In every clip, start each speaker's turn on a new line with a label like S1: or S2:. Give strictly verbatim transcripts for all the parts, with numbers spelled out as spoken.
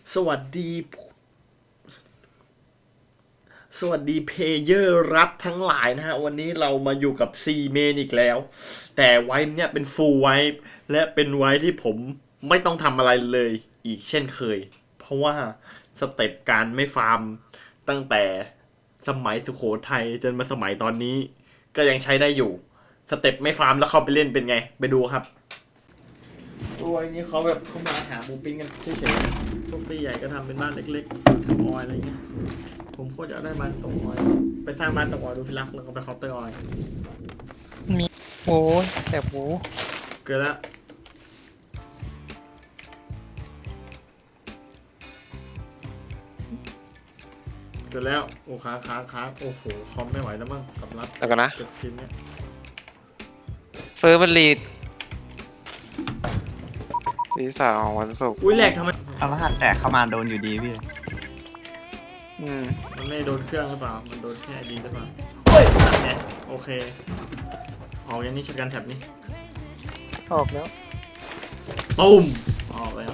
S1: สวัสดี สวัสดีเพลเยอร์รัฐทั้งหลายนะฮะ วันนี้เรามาอยู่กับ C เมนอีกแล้ว แต่ไวท์เนี่ยเป็น full ไวท์และเป็นไวท์ที่ผมไม่ต้องทำอะไรเลยอีกเช่นเคย เพราะว่าสเต็ปการไม่ฟาร์มตั้งแต่สมัยสุโขทัยจนมาสมัยตอนนี้ ก็ยังใช้ได้อยู่ สเต็ปไม่ฟาร์มแล้วเข้าไปเล่นเป็นไง ไปดูครับ ตัวนี้เขาแบบเขามาหาหมูปิ้งกันเฉยๆพวกตีใหญ่ก็ทำเป็นบ้านเล็กๆทำออยอะไรเงี้ย ผมโคตรจะได้บ้านตรงออยไปสร้างบ้านตรงออยดูพิรักแล้วก็ไปเคาน์เตอร์ออย
S2: มีโอ้ยแต่หมู
S1: เกิดแล้วเกิดแล้วโอ้ค้างค้างค้างโอ้โหคอมไม่ไหวแล้วมั้งกับรัด
S2: แล้วกันนะ
S1: เก็บทีมเนี้ย
S2: เซิร์ฟมันลีดสีสาวของวันศุกร์
S1: อุ้ยแหลกทำไม
S3: เอารหัสแตกเข้ามาโดนอยู่ดีพี่
S2: อืม
S1: มันไม่โดนเครื่องหรือเปล่ามันโดนแค่ดีหรือเปล่าเฮ้ยเนี่ยโอเคออกอย่างนี้ชักกันแท็บนี้
S2: ออกแล้ว
S1: ตุ้มออกแล้ว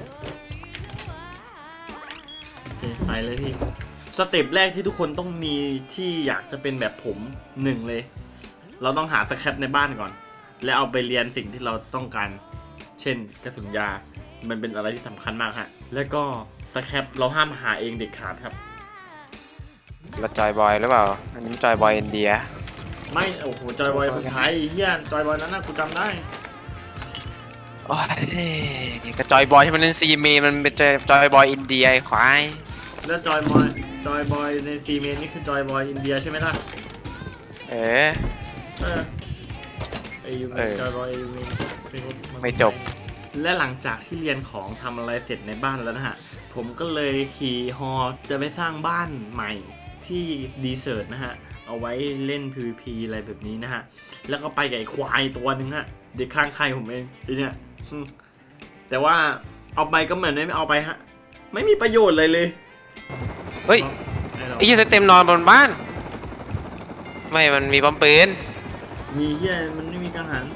S1: โอเคไปเลยพี่สเต็ปแรกที่ทุกคนต้องมีที่อยากจะเป็นแบบผมหนึ่งเลย เราต้องหาสแครปในบ้านก่อน แล้วเอาไปเรียนสิ่งที่เราต้องการ เช่นกระสุนยา มันเป็นอะไรที่สำคัญมากฮะ แล้วก็สแครปเราห้ามหาเองเด็ดขาดครับ
S2: เราจอยบอยหรือเปล่า อันนี้จอยบอยอินเดีย
S1: ไม่ โอ้โห จอยบอยคนไทยเฮียจอยบอยนั้นนะกูจำได้
S2: โอ้ยกระจอยบอยที่มันเล่นซีเมมันเป็นจอยบอยอินเดียไอ้ควาย
S1: แล้วจอยบอยจอยบอยในซีเมนนี่คือจอยบอยอินเดียใช่ไหมล่ะ
S2: เอ๋
S1: เออไอยูเม
S2: เอน อ
S1: จอยบอยยูเมน
S2: ไม่จบ
S1: และหลังจากที่เรียนของทำอะไรเสร็จในบ้านแล้วนะฮะ ผมก็เลยขี่ฮอจะไปสร้างบ้านใหม่ที่ดีเซิร์ตนะฮะ เอาไว้เล่น พี วี พี อะไรแบบนี้นะฮะ แล้วก็ไปกับไอ้ควายตัวนึงฮะ เด็กข้างใครผมเองไอเนี่ยอืมแต่ว่าเอาไปก็เหมือนไม่เอาไปฮะ ไม่มีประโยชน์เลยเลย
S2: เฮ้ย
S1: ไอ้เรา
S2: ไอ้ยี่เต็มนอนบนบ้าน ไม่ มันมีปั๊มปืน
S1: มีเฮียมันไม่มีกังหัน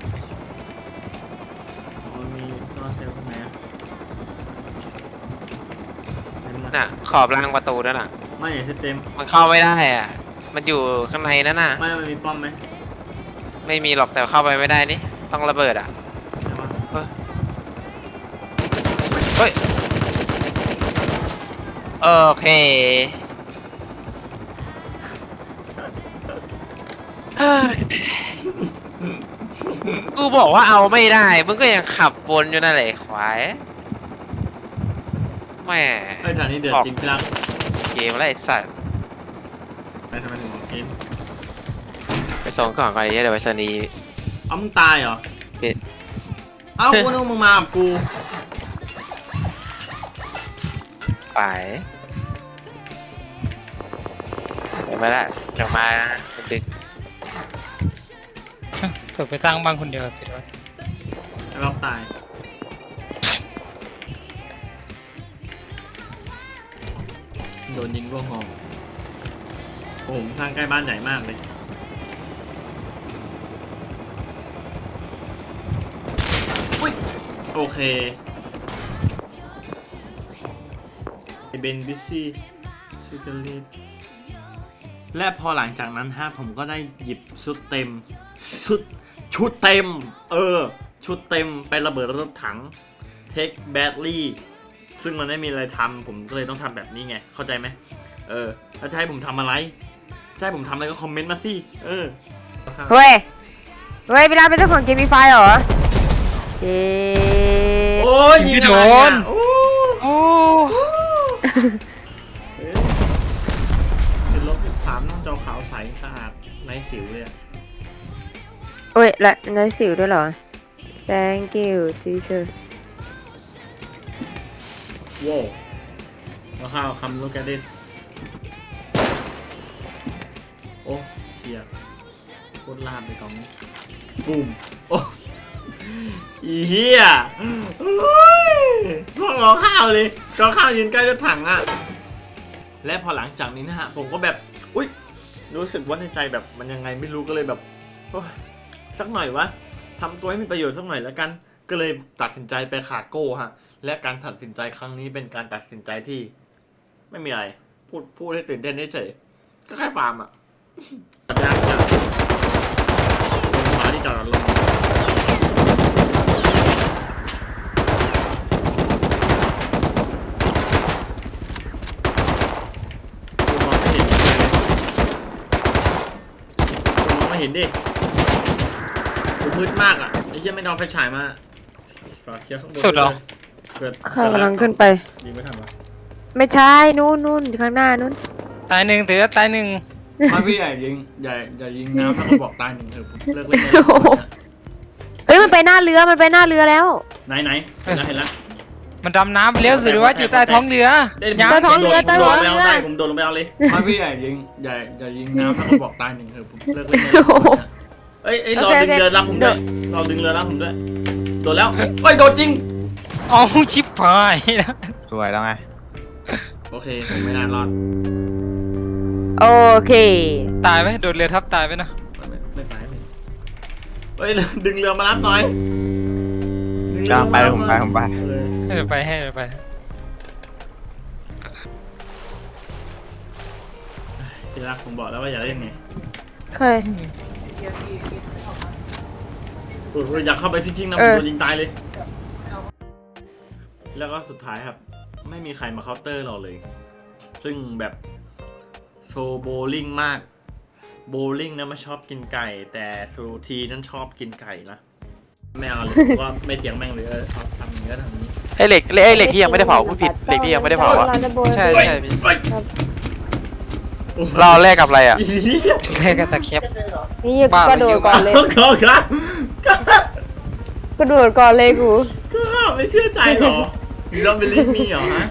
S1: อ๋อมันมีโซลาร์เซลล์ข้างในอะเห็นไหม
S2: น่ะ ขอบรางประตูนั่นน่ะ
S1: ไม่เห็นเต็ม
S2: มันเข้าไม่ได้อ่ะ มันอยู่ข้างในนั่นน่ะ
S1: ไม่มันมีป้อมไหม
S2: ไม่มีหรอกแต่เข้าไปไม่ได้นี่ ต้องระเบิดอ่ะ
S1: ใช่ปะ
S2: เฮ้ย โอเคเฮ้ยกูบอกว่าเอาไม่ได้ มึงก็ยังขับวนอยู่นั่นแหละควายแหม่
S1: เอ้ยฐานนี้เดือดจริงพี่รัก
S2: เกมอะไรไอ้สัตว์
S1: ไปทำไมถึงบอกเกม
S2: ไปส่งก่อนก่อนดิเดี๋ยวไปสนีย์
S1: เอ้ามึงตายเหรอ
S2: เอ๊ะ
S1: เอ้ากูนึกว่ามึงมากับกู
S2: ไปไปมาละจะมาดึก
S4: สุดไปสร้างบ้านคนเดียวสิวะ
S1: ไอ้บ๊อบตายโดนยิงร่วงหอโอ้โหผมสร้างใกล้บ้านใหญ่มากเลยอุ้ยโอเคไอเบนบิซี่ซิกเลตและพอหลังจากนั้นฮะผมก็ได้หยิบชุดเต็มชุดชุดเต็ม เออ ชุดเต็มไประเบิดรถถังเทคแบตลี่ซึ่งมันไม่มีอะไรทำผมก็เลยต้องทำแบบนี้ไง เข้าใจไหมเออแล้วจะให้ผมทำอะไรจะให้ผมทำอะไรก็คอมเมนต์มาสิเออ
S5: เฮ้ย เฮ้ยพี่รักเป็นเจ้าของเกมมีไฟเหรอเย้
S1: โอ้ยยิงอะไรอ่ะโอ้
S2: โอ้
S1: เฮ้ยเป็นรถสามน้องจอขาวใสสะอาดไร้สิวเลยอะ
S5: โอ้ยและน้อยสิวด้วยเหรอ thank you teacher
S1: ว้าวแล้วข้าวคำ look at this โอ้เฮียโคตรลาดเลยกล่องนี้ปุ่มโอ้อีเฮียโอ้ยพวกรอข้าวเลยรอข้าวยืนใกล้รถถังอ่ะและพอหลังจากนี้นะฮะผมก็แบบอุ๊ยรู้สึกว่าในใจแบบมันยังไงไม่รู้ก็เลยแบบโอ้ยสักหน่อยวะทำตัวให้มีประโยชน์สักหน่อยแล้วกันก็เลยตัดสินใจไปขาโก้ฮะและการตัดสินใจครั้งนี้เป็นการตัดสินใจที่ ไม่มีอะไร พูดพูดให้ตื่นเต้นเฉยๆก็แค่ฟาร์มอ่ะยากจังเป็นฟ้าที่จอดรถลงมองไม่เห็นดิกูมืดมากอ่ะไอ้เหี้ยไม่นอนไฟฉายมาฝากเคลียร์ข้างบน
S4: สุดเหรอ
S1: เกิด
S5: ข้ากำลังขึ้นไป
S1: ยิงไม่ทันวะ
S5: ไม่ใช่นู่นนู่นข้างหน้านู่น
S4: ตายหนึ่งถือว่าตายหนึ่ง
S1: ไม่พี่ใหญ่ยิงใหญ่ใหญ่ยิงน้ำแล้วก็บอกตายหนึ่งเถอะผมเลิกเล่นแล้ว
S5: เอ้ยมันไปหน้าเรือมันไปหน้าเรือแล้ว
S1: ไหนไหนเห็นแล้วเห็นแล้ว
S4: มันดำน้ำไปเลี้ยวสิหรือว่าอยู่ใต้ท้องเรือ
S5: ใต้ท้องเรือใต้ท้องเรือ
S1: ผมโดนลงไปเอาเลยไม่พี่ใหญ่ยิงใหญ่ใหญ่ยิงน้ำแล้วก็บอกตายหนึ่งเถอะผมเลิกเล่นแล้วเอ้ยเอ้ยรอดึงเรือรับผมด้วยรอดึงเรือรับผมด้วยโดนแล้วเอ้ยโดนจริง
S4: อ๋อชิบหายนะ
S3: สวยแล้วไง
S1: โอเคผมไม่นานรอด
S5: โอเค
S4: ตายไหมโดนเรือทับตายไหมนะ
S1: ไม่ไม่ไม่ตายไม่เฮ้ยดึงเรือมารับหน่อยดึง
S3: ก
S1: เรือ
S3: ลางไปผมไปผมไป
S1: เออ
S4: ให้เดี๋ยวไปให้เดี๋ยวไป
S1: ทีรักผมบอกแล้วว่าอย่าเล่นไง
S5: เคย
S1: โอ้ยอยากเข้าไปฟิชชิ่งนะผ
S5: เอ
S1: ม
S5: อ
S1: โดนยิงตายเลย แล้วก็สุดท้ายครับ ไม่มีใครมาเคาน์เตอร์เราเลย ซึ่งแบบโซโบลิ่งมาก โบลิ่งนะไม่ชอบกินไก่ แต่ซูทีนั้นชอบกินไก่นะไม่เอาเลย เพราะว่าไม่เถียงแม่งเลยเออเอาทำอย่างนี้ก็ทำอย่างนี้
S2: ไอเหล็กไอเหล็กที่ยังไม่ได้เผาพูดผิดเหล็กที่ยังไม่ได้เผาอะใช่ใช่พี่
S1: เฮ้ย
S2: เราแลกกับอะไรอะ
S1: อีเหี้ย
S4: แค่กระตะเข็บ
S5: นี่
S4: บ้า
S5: ก็โดดก่อนเลย
S1: ก็ครับ
S5: ก็โดดก่อนเลยกู
S1: ก็ไม่เชื่อใจหรอยูดอมเบลิฟมีเหรอฮะ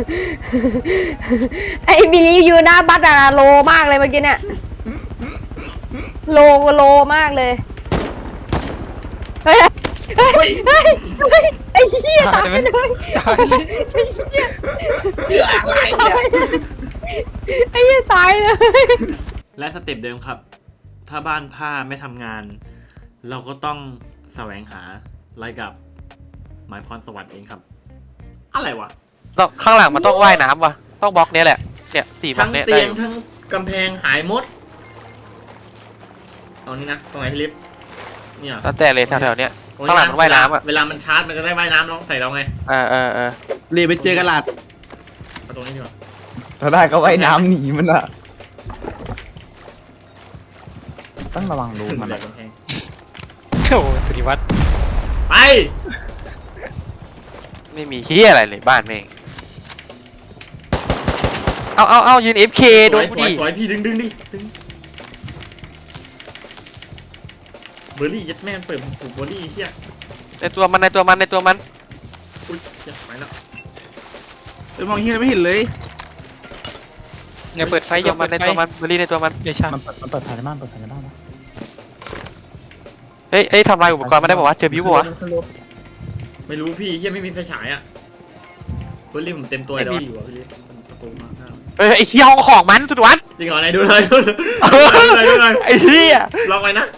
S5: ไอ้บิลลี่อยู่หน้าบัตอะโลมากเลยเมื่อกี้เนี่ยโลโลมากเลยเฮ้ยเฮ้ยเฮ้ยเฮ้ยไอ้เหี้ย
S4: ตายไหม
S5: เลย
S4: ตายเลย
S5: ไอ้เหี้ยตายเลย
S1: และสเต็ปเดิมครับ ถ้าบ้านผ้าไม่ทำงาน เราก็ต้องแสวงหาอะไรกับหมายพรสวรรค์เองครับ อะไรวะ
S2: ต้องข้างหลังมันต้องว่ายน้ำว่ะต้องบล็อกเนี้ยแหละเนี่ยสี่บล็อ
S1: ทั้
S2: ก
S1: ง
S2: เนี้ย
S1: เตี
S2: ได้
S1: ยง
S2: อยู่
S1: ทั้งกำแพงหายหมดเอานี่นะตรงไหนพี่ลิฟต์เนี่ย
S2: แล้วแต่เลยแถวๆเนี้ย
S1: ตรงะ
S2: ข้างหลังมันว่ายน้ำอะ
S1: เวลามันชาร์จมันจะได้ว่ายน้ำน้องใส่เราไง
S2: เออเออเออ
S3: เรียไปเจอกระดาษ
S1: เอาตรงนี้ดีกว่า
S3: ถ้าได้ก็ว่ายน้ำหนีมันอะต้องระวังรูมัน
S1: แบ
S3: อะ
S1: กกำแพง
S4: โอ้โหสุริวัฒน์
S1: ไป
S2: ไม่มีเฮียอะไรเลยบ้านแม่งเอาเอาเอายืน เอฟ เค
S1: ส
S2: โด
S1: วน ย
S2: กู
S1: สวย
S2: ดิ
S1: สวยพี่ดึงดึงดิดึงเบอร์รี่ยัดแม่งเปิดผูกเบอร์รี่เฮีย
S2: ในตัวมันในตัวมันในตัวมัน
S1: อุ้ยเหี้ยไปแล้ว
S3: ไปมองเฮียไม่เห็นเลย
S4: อย่าเปิดไฟ
S2: ใน
S4: อ
S2: ตัว
S4: ย่า
S2: มั
S4: เปิ
S2: น
S4: ด
S2: ใน
S4: ไฟ
S2: ตัวมันบรีในตัวมัน
S4: เดี๋ยวช้า
S3: มันเปิดมันเปิดภายในบ้านเปิดภายในบ้านนะ
S2: เฮ้ยเฮ้ยทำลายอุปกรณ์มาได้บอกว่าเจอบิวปะวะ
S1: ไม่รู้พี่เฮียไม่มีไฟฉายอ่ะเบอร์รี่ผมเต็มตัว
S2: ไม่
S1: แล้ว
S2: มี
S1: อยู่อ่ะพี่ลิฟต์มันประตูมาข้าง
S2: เฮ้ยไอ้เฮียห้องของมันสุดวัด
S1: จริงเหรอไหนดูเลยดูเลยดูเลยดูเลย
S2: ไอ้เฮีย
S1: ลองไปนะ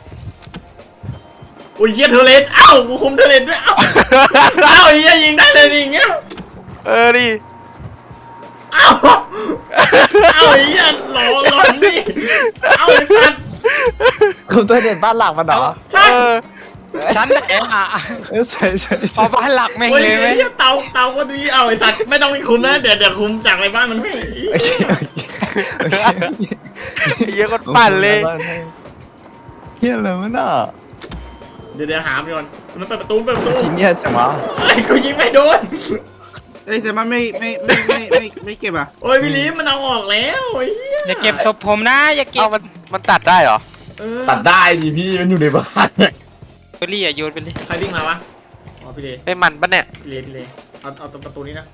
S1: อุ้ยเฮียเทอร์เลนเอ้ากูคุมเทอร์เลนด้วยเอ้าเอ้าเฮียยิงได้เลยดิอย่างเงี้ย
S2: เออดิ
S1: เอ้าเอ้าเฮียหลอนหลอนดิเอ้าไอ้สัตว์
S3: คุณตัวเด่นบ้านหลักมันเหรอ
S1: ใช่
S2: เออ
S4: ชั้นไหนอ่ะ
S3: เออใช่ใช่
S4: เอา
S3: ใช่
S4: บ้านหลักแม่ง
S1: โอ้ย
S4: เลยไหม
S1: เฮียเตาเตาก็ดีเอาไอ้สัตว์ไม่ต้องไปคุมนะเดี๋ยวเดี๋ยวคุมจากอะไรบ้านมันให้
S3: โอเคโอเคโอเค
S2: ไอ้เฮียก็ปั่นเลย
S3: เฮียอะไรวะน่ะ
S1: เดี๋ยวเดี๋ยวหาไปก่อนมันเปิดประตูเปิดประตู
S3: ทีเนี้ยจังวะ
S1: ไอ้กูยิงไม่โดน
S6: เอ้ยแต่มันไม่ไม่ไม่ไม่ไม่ไม่เก็บอ่ะ
S1: โอ้ยพี่ลีฟมันเอาออกแล้วไอ้เหี้ย
S4: อย่าเก็บศพผมนะอย่าเก็
S2: เอา
S4: บ
S2: มันมันตัดได้เหรอ
S1: เออ
S7: ตัดได้ดิพี่มันอยู่ในบ้าน
S4: เบอร์รี่อย่าโยนไปเลย
S1: ใครวิ่งมาวะอ๋อพี่เล
S2: ไอ้มันปะเนี่ย
S1: พี่เลพี่เลเอาเอาตรงประตูนี้นะ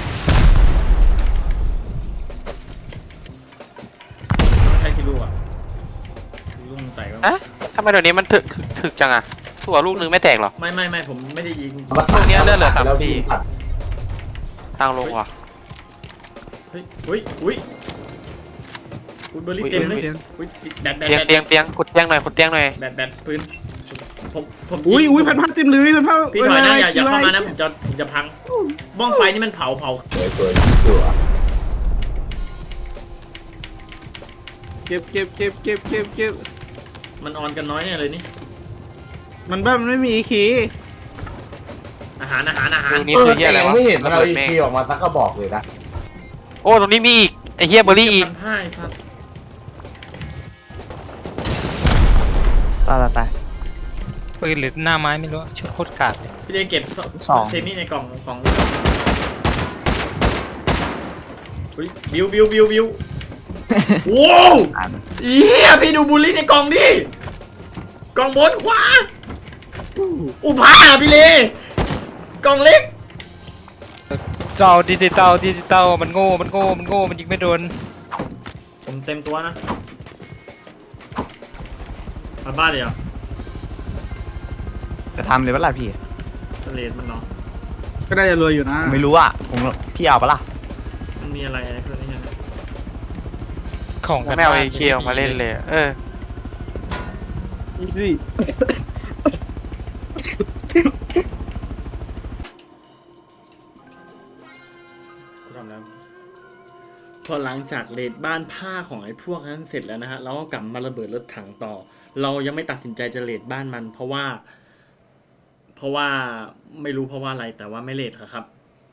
S1: ใครคิดลูกอ่ะลูกมึงแตกแล้ว
S2: ฮะทำไมเดี๋ยวนี้มันถึกถึกถึกจังอะถั่วลูกนึงไม่แตกเหรอ
S1: ไม่ไม่ไม่ผมไม่ได้ยิง
S2: พวกเนี้ยเลือดเหลือสาม
S7: แล้ว
S2: ที
S7: พี่ตัด
S2: ทางลงว่ะ
S1: เฮ้ยอุ้ยอุ้ยอุ้ยเบอร์รี่เต็มเลยอุ้ยแบตแบต
S2: เตียง
S1: แบต
S2: เตียงเตียงกดเตียงหน่อยกดเตียงหน่อย
S1: แบตแบตปืนผมผม
S6: อุ้ยอุ้ยพันผ้าเต็มเลยพันผ้า
S1: พี่ถอยนะอย่าอย่า
S6: ไว้
S1: เข้ามา
S6: ไว้
S1: นะผมจะผมจะพังบ้องไฟนี่มันเผาเผา
S7: สวยสวยสวย
S6: เก็บเก็บเก็บเก็บเก็บเก็บ
S1: มันออนกันน้อยเนี่ยเลยนี่
S6: มันบ้ามันไม่มีคี
S1: อาหารอาหารอาหาร
S2: ตรงนี้
S7: เออ
S2: คือเฮีย
S7: แต่
S2: อะไร
S7: ยัง
S2: วะ
S7: ไม่เห็นมันเอา
S2: ระ
S7: อี
S2: บิดแม่ง
S7: คีออกมาสักกระบอกเลยนะ
S2: โอ้ตรงนี้มีอีกไอ้เฮียเบอร์รี่อีก
S1: พันผ้าไอ้สัตว์
S3: ตายตายตาย
S4: ปืนหรือหน้าไม้ไม่รู้ชุดโคตรกากเลย
S1: พี่เดเก็บ
S3: สอง
S1: เซมี่ในกล่องกล่องอุ้ยบิวบิวบิวบิวว้าว
S3: อ่าน
S1: เฮียพี่ดูบุลลี่ในกล่องดิกล่องบนขวาอุผ้าพี่เลกล่องเล็ก
S4: เราดิจิตอลดิจิตอลมันโง่มันโง่มันโง่มันยิงไม่โดน
S1: ผมเต็มตัวนะมาบ้านเลยเหรอ
S3: จะทำเลยปะล่ะพี่
S1: ทะเลมันเนาะ
S6: ก็ได้จะรวยอยู่นะ
S3: ไม่รู้อ่ะผมพี่เอาปะล่ะ
S1: มันมีอะไรอะไรเพื่อนนี่ใช่ไหม
S4: ของกัน
S2: แม่เอา
S4: บ้
S2: ไอ้เคียวมาเล่นเลยเออ
S6: อีซี่
S1: กูทำแล้วพอหลังจากเลดบ้านผ้าของไอ้พวกนั้นเสร็จแล้วนะฮะเราก็กลับมาระเบิดรถถังต่อ เรายังไม่ตัดสินใจจะเลดบ้านมัน เพราะว่า เพราะว่าไม่รู้เพราะว่าอะไรแต่ว่าไม่เลดครับ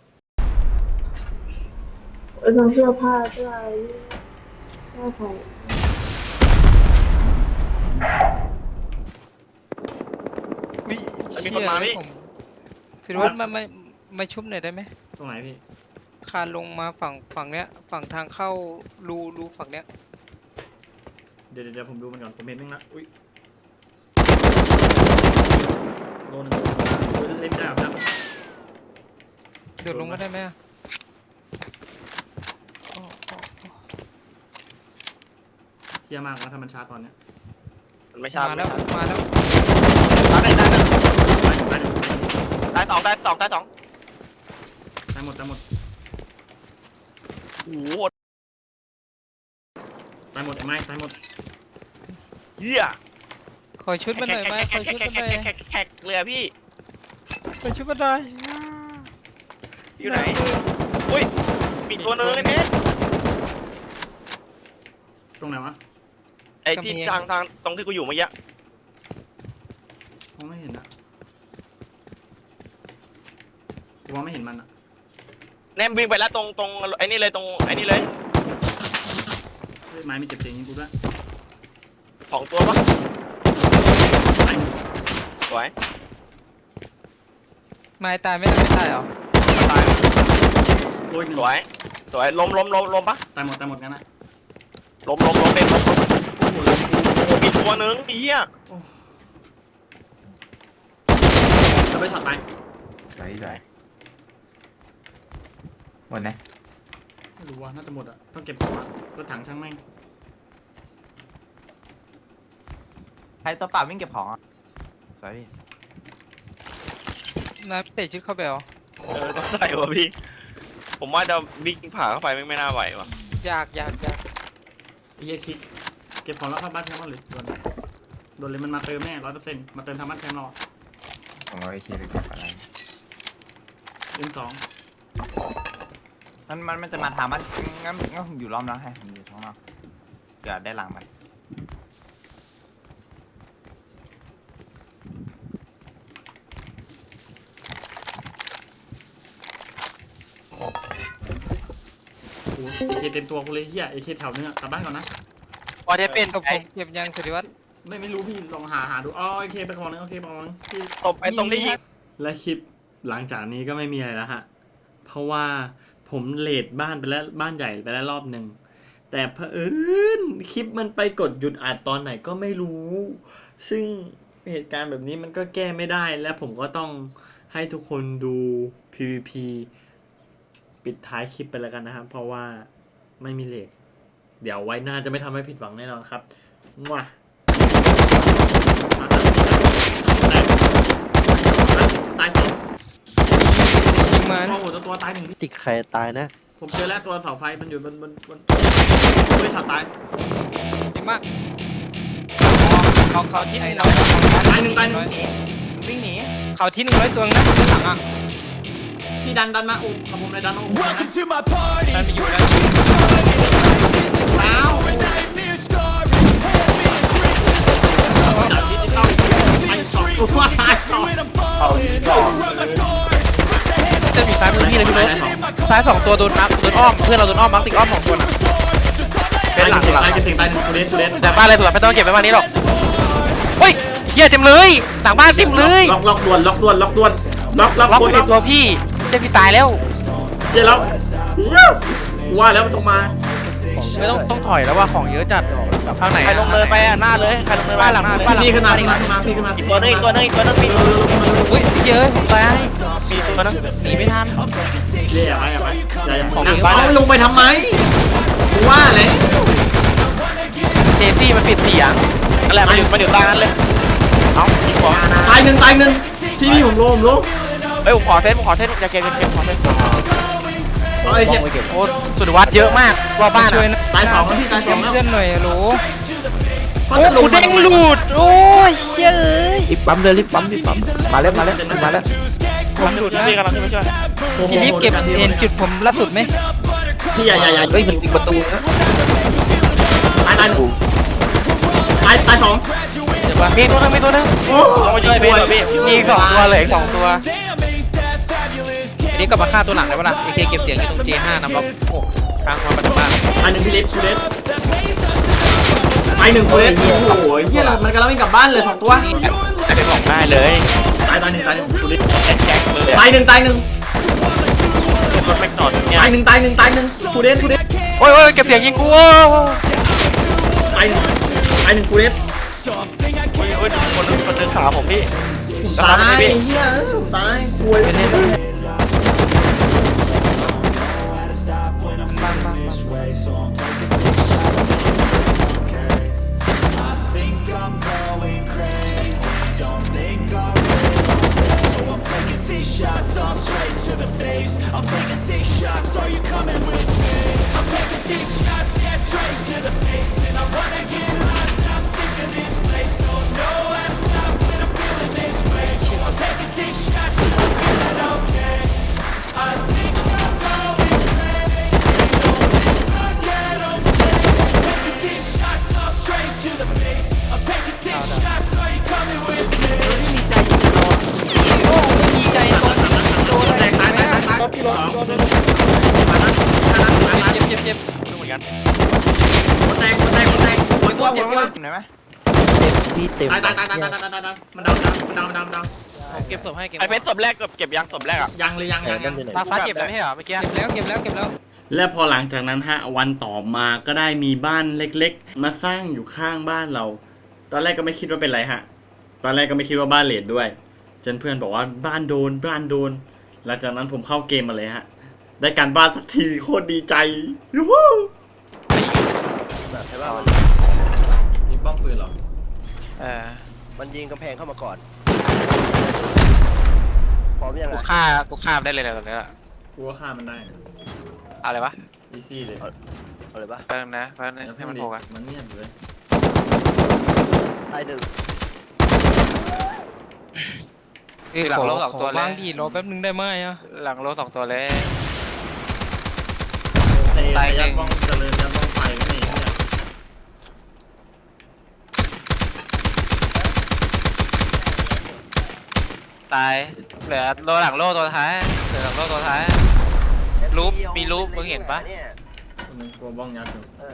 S8: เออทั้งเสื้อผ้าด้วยเสื้อของ
S2: มีคนมาพี่
S4: ผมสิริวัฒน์มามามาชุบหน่อยได้ไหม
S1: ตรงไหนพี่
S4: คานลงมาฝั่งฝั่งเนี้ยฝั่งทางเข้ารูรูฝั่งเนี้ย
S1: เดี๋ยวเดี๋ยวผมดูมันก่อนผมเห็นนึงละอุ้ยโดนหนึ่งอุ๊ยเล่นไม่ได้หรอกครับ
S4: โดดลงมาได้ไหมอะโอ้โอ้โอ้
S1: เฮี้ยมากว่าถ้ามันช้าตอนเนี้ย
S2: มันไม่ใช่
S4: มาแล้วมาแล้ว
S2: ได้ได้ได้
S1: ตายหนึ่ง
S2: ได้สองได้สองได้สอง
S1: ตายหมดตายหมด
S2: โอ้โห
S1: ตายหมดไอ้ไม้ตายหมด
S2: เฮีย
S4: ขอชุดมันหน่อยไหมขอชุดมันหน่อย
S2: แขกแขกเลยอะพี่
S4: ขอชุดมันหน่อย
S2: อยู่ไหนอุ้ยมีตัวนึงไอ้เนี้ย
S1: ตรงไหนวะ
S2: ไอ้ที่ทางทางตรงที่กูอยู่เมื่อกี้
S1: มองไม่เห็นนะกูมองไม่เห็นมันอะ
S2: แนมวิ่งไปแล้วตรงตรงไอ้นี่เลยตรงไอ้นี่เลย
S1: เฮ้ยไม้มีเจ็บเสียงยิงกูด้วย
S2: สองตัวปะสวย
S4: ไม้ตายไม่ได้ไม่ตายเหรอ
S2: ตาย
S1: โอ้ยหนึ่ง
S2: สวยสวยล้มล้มล้มล้มปะ
S1: ตายหมดตายหมดงั้นนะ
S2: ล้มล้มล้มเด็ดล้ม
S1: โอ้โหเลย
S2: โอ้มีตัวนึงไอ้เหี้ย
S1: จะไปช็อตตาย
S3: ไหนไหนหมดไหน
S1: ไม่รู้ว่าน่าจะหมดอะต้องเก็บของอะรถถังช่างแม่ง
S3: ใครตัวเปล่าวิ่งเก็บของอ่ะสวยพี่
S4: นายเตะชุดเข้าไปเหรอ
S2: เออต้องได้วะพี่ ผมว่าจะวิ่งผ่าเข้าไปไม่ไม่น่าไหววะ
S4: ยากยากยาก
S1: ไอ้เหี้ยคิดเก็บของแล้วเข้าบ้านแชมป์หรือโดนโดนเลยมันมาเติมแน่ร้อยเปอร์เซ็นต์มาเติมทางบ้านแชมป์เรา
S3: ของเราไอเคเลยกับอะไร
S1: เอ็มสอง
S3: มันมันมันจะมาถามมันงั้นงั้นผมอยู่ล้อมแล้วให้ผมอยู่ท้องนอกเดี๋ยวได้หลังมัน
S1: โอ้โหเอเคเต็มตัวกูเลยเหี้ยเอเคแถวนึงอะกลับบ้านก่อนนะ
S2: ว่าจะเป็น
S4: เอาผ
S2: ไอ้
S4: มเก็บยังสิริวัฒน์
S1: ไม่ไม่รู้พี่ลองหาหาดูอ๋อโอเคไปก่อนนึงโอเคไปก่อนนึงพี่
S2: ตบไอ้ตรงที่ยิง
S1: และคลิปหลังจากนี้ก็ไม่มีอะไรแล้วฮะ เพราะว่าผมเลดบ้านไปแล้วบ้านใหญ่ไปแล้วรอบหนึ่ง แต่เผอิญคลิปมันไปกดหยุดอัดตอนไหนก็ไม่รู้ ซึ่งเหตุการณ์แบบนี้มันก็แก้ไม่ได้ และผมก็ต้องให้ทุกคนดู พี วี พี ปิดท้ายคลิปไปแล้วกันนะครับ เพราะว่าไม่มีเลทเดี๋ยวไว้หน้าจะไม่ทำให้ผิดหวังแน่นอนครับมั่วตายสอง
S4: ยิงมา
S1: โอ้โหตัวตัวตายหนึ่ง
S9: ติดใครตายนะ
S1: ผมเจอแล้วตัวเสาไฟมันอยู่บนบนบนไม่ช็อตตาย
S4: ยิงมากเขาเขาที่หนึ่งร้อย
S1: ตายหนึ่งตายหนึ่ง
S3: วิ่งหนี
S4: เขาที่หนึ่งร้อยตัวนะข้างหลังอ่ะ
S1: พี่ดันดันมาอุ้มขผมเลยดันมาอุ้มนะ
S4: ได้ไปอยู่แล้ว
S1: อ้าวจับดิจิตอลไปสองตัวตายสอง
S9: จะมีซ้ายมือพี่เลยพี่รถซ้ายสองตัวโดนมาร์คโดนอ้อมเพื่อนเราโดนอ้อมมาร์คติดอ้อมสองคน
S1: เป็นหลังหลังตายจะถึงตายหนึ่งกูเดสกูเดส
S2: จากบ้านเลยถูกไม่ต้องเก็บไว้บ้านนี้หรอกเฮ้ยเฮียเต็มเลยสั่งบ้านเต็มเลย
S1: ล็อกล็อกด่วนล็อกด่วนล็อกด่วนล็อกล็อก
S2: ล็อก
S1: คน
S2: ใน
S1: ล็อก
S2: ตัวพี่เจ้าพี่ตายแล้ว
S1: เจ๊แล้วว่าแล้วมันต้องมา
S9: ไม่ต้องต้องถอยแล้วว่าของเยอะจัดทางไหน
S3: ใครลงเลยไปอ่ะหน้าเลยใครลงเลยบ้านหลังบ้านหลัง
S1: พี่ขึ้นมาพี่ขึ้นมาพี่ขึ้นมา
S3: ตัวนึงอีกตัวนึงอีกตัวนึงมีตัวนึง
S9: อุ้ยเยอะผมตาย
S3: มีตัวนึง
S9: หนีไม่ทัน
S1: เจ๊อะไรอะไรอย่าอย่า
S9: ของ
S1: นั่ง
S9: บ้าน
S1: เอาลงไปทำไมว่าเลย
S2: เจซี่มันปิดเสียง
S3: นั่นแหละมาอยู่มาอยู่ตานั้นเลยเอายิงหัว
S1: ตายหนึ่งตายหนึ่งที่นี่ผมโลผมโล
S3: เฮ้ยผมขอเซตผมขอเซตอย่าเกมอย่าเกมขอเซต
S1: ไอ้เหี้ย
S2: โอ้สุดวัดเยอะมากรอบบ้าน
S4: ช่วย
S2: อ่ะ
S4: นะ
S1: ตายสองแล้วพี่ตายสองแล้ว
S4: เพื่อนหน่อยฮัลโหล
S1: เขา
S4: โอ้
S1: จะล
S4: กู
S1: ง
S4: เด้งหลุดโอ้ยเย้ย
S7: รีบปั๊มเลยรีบปั๊มรีบปั๊มมาแล้วมาแล้วมาแล้ว
S4: ผมหลุดนะ
S3: พี่กำลังขึ้นไปช่วย
S4: พี่รีบเก็บเห็นจุดผมล่าสุดไหม
S1: พี่อย่าอย่าอย่า
S7: เฮ้ยมันติดประตูนะ
S1: ตายตายตายตายสอง
S9: เดี๋ยวว่า
S2: มีตัวนึงมีตัวนึง
S1: โอ้
S3: ต้องมาช่วยพี่พี่
S2: มีสองตัวเหลยสองตัว
S9: อันนี้กลับมาฆ่าตัวหลังได้ปะล่ะเอเคเก็บเสียงอยู่ตรง เจ ห้านะบล็อกหกทางความประตูบ้าน
S1: ตายหนึ่งพี่เล็กกูเล็กตายหนึ่งกูเล็กโอ้โหเหี้ยมันกำลังไม่กลับบ้านเลยสองตัว
S3: แต่เป็นของได้เลย
S1: ตายตายหนึ่งตายหนึ่งกูเล็ก
S3: แจ็คแจ็คเลย
S1: ตายหนึ่งตายหนึ่ง
S3: รถแม็กนอตเนี่ย
S1: ตายหนึ่งตายหนึ่งตายหนึ่งกูเล็กกูเล็ก
S2: โอ้ยโอ้ยเก็บเสียงยิงกูโอ้
S1: ตายหนึ่งตายหนึ่งกูเล็ก
S3: โอ้ยโอ้ยคนนึงคนนึงขาผมพี่
S1: ตายเหี้ยตายกลัวเลย
S4: ดีใจตรงโดนอะไร
S1: ตาย
S4: นะ
S1: ตายตายตายพี่รถโดน
S4: เจ็บเจ็บเจ็บ
S3: ดูเหมือนกัน
S1: แตกแตกแตก
S3: โอ้ยตัวเจ็บเยอะเห็นไหม
S7: พี่เต็ม
S1: ตายตายตายตายตายตายตายมันดาวมันดาวมันดาวมันดาว
S9: ผมเก็บศพให้เก็บ
S3: ไอเพชรศพแรกเก็บเก็บยังศพแรกอ่ะ
S1: ยังเลยยังยังยัง
S2: ตาฟ้าเก็บแล้วไม่ใช่เหรอเมื่อกี้
S4: เก็บแล้วเก็บแล้วเก็บแล้ว
S1: และพอหลังจากนั้นฮะวันต่อมาก็ได้มีบ้านเล็กๆ มาสร้างอยู่ข้างบ้านเรา ตอนแรกก็ไม่คิดว่าเป็นไรฮะ ตอนแรกก็ไม่คิดว่าบ้านเลดด้วยจนเพื่อนบอกว่าบ้านโดนบ้านโดนหลังจากนั้นผมเข้าเกมมาเลยฮะ ได้การบ้านสักทีโคตรดีใจยูฮู
S7: ใช่ป่ะ
S1: มีป้อมปืนเหรอ
S2: เออ
S7: มันยิงกำแพงเข้ามาก่อนพร้อมยังไง
S2: กูฆ่ากูฆ่ามันได้เลยนะตรงนี้อะ
S1: กูว่าฆ่ามันได้
S2: อะไรวะ
S1: อีซี่เลย
S7: เอาเลยปะ
S2: แป๊บนึงนะแป๊บนึงให้มันโผล่กัน
S1: มันเงียบเลย
S7: ไอ้หนึ่ง
S2: คือหลังโลสองตัวเล
S4: บ้าย งดีรอแป๊บนึงได้ไหมอ่ะ
S2: หลังโลสองตัวเลย
S1: ไอ้
S2: ตายหนึ่
S1: ยัด
S2: ง
S1: บ้องเจริญยัดบ้องไฟก็นี่เนี่ย
S2: ตายเหลือโลหลังโลตัวท้ายเหลือหลังโลตัวท้ายรูปมีรูปมึงเห็นปะ
S7: เนี่ย
S1: คนนึงกลัวบ้องยัดอยู่
S7: เออ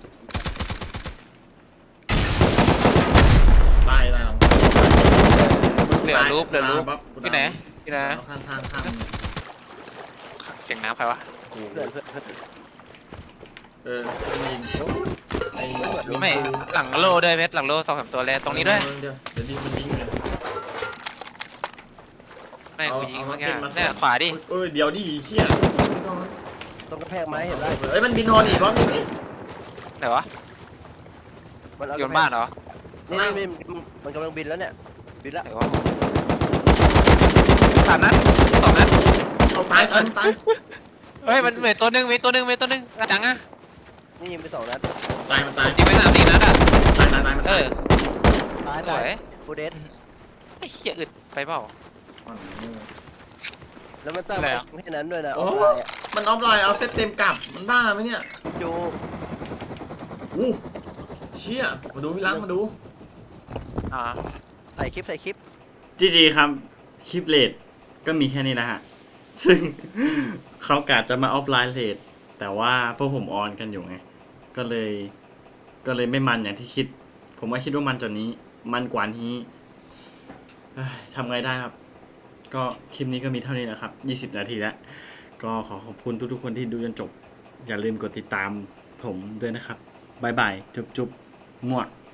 S1: ตายแล้ว
S2: เหลือรูปเหลือรูป
S1: ปั๊บ
S2: ที่ไหนที่ไหน
S1: ข้างข้างข้าง
S2: เสียงน้ำใครวะ
S7: เพื่อนเพื่อนเพื่อน
S1: เออยิงไอ้
S2: ไม่หลังโลด้วยเพชรหลังโลสองสามตัวเลยตรงนี้ด้วย
S1: เดี๋ยวเดี๋ยวดิมันยิงเลย
S2: ไม่กูยิง
S1: เอา
S2: เมื่อกี้
S1: เอามาเก็บมา
S2: เนี่ยขวาดิ
S1: เอ้ยเดี๋ยวดิเฮีย
S7: ตรงกระแพงไม้เห็นไหม
S1: เอ้ยมันบินฮอนอีกรอบนึงนี่
S2: ไหนวะ
S7: มันเอา
S2: โยนบ้านเหรอ
S7: นี่นี่มันกำลังบินแล้วเนี่ยบินแล้ว
S2: ไหนวะสามนัดสองนัด
S1: เอาตายตายตาย
S2: เฮ้ยมันมีตัวหนึงมีตัวหนึงมีตัวหนึงกระจังอะ
S7: นี่ยิงไปสองนัด
S1: ตายมันตาย
S2: ยิงไปสามสี่นัดอะ
S1: ตายตายตายมัน
S2: เอ
S1: ตาย
S2: อ
S3: ตาย
S2: ส
S3: ตา
S2: วย ย
S7: ฟูเดส
S2: ไอ้เหี้ยอึดไปเปล่า
S7: แล้วมันตั้ง
S4: อะไรอะ
S7: ไม่แค่นั้นด้วยนะ
S1: โอ้
S7: ออฟไลน์อะ
S1: มันออฟไลน์เอาเซตเต็มกลับ มันบ้าไหมเนี่ย
S7: จู
S1: อู้เชี่ยมาดูพี่รักมาดู
S2: อ่า
S7: ถ่ายคลิปถ่ายคลิป
S1: จีจีครับคลิปเลทก็มีแค่นี้นะฮะ ซึ่ง เขากะจะมาออฟไลน์เลทแต่ว่าพวกผมออนกันอยู่ไง ก็เลย ก็เลยไม่มันอย่างที่คิด ผมว่าคิดว่ามันจนนี้ มันกว่านี้เอ้ยทำไงได้ครับ ก็คลิปนี้ก็มีเท่านี้นะครับยี่สิบนาทีแล้ว ก็ขอขอบคุณทุกๆคนที่ดูจนจบ อย่าลืมกดติดตามผมด้วยนะครับบ๊ายบาย จุ๊บจุ๊บมั่ว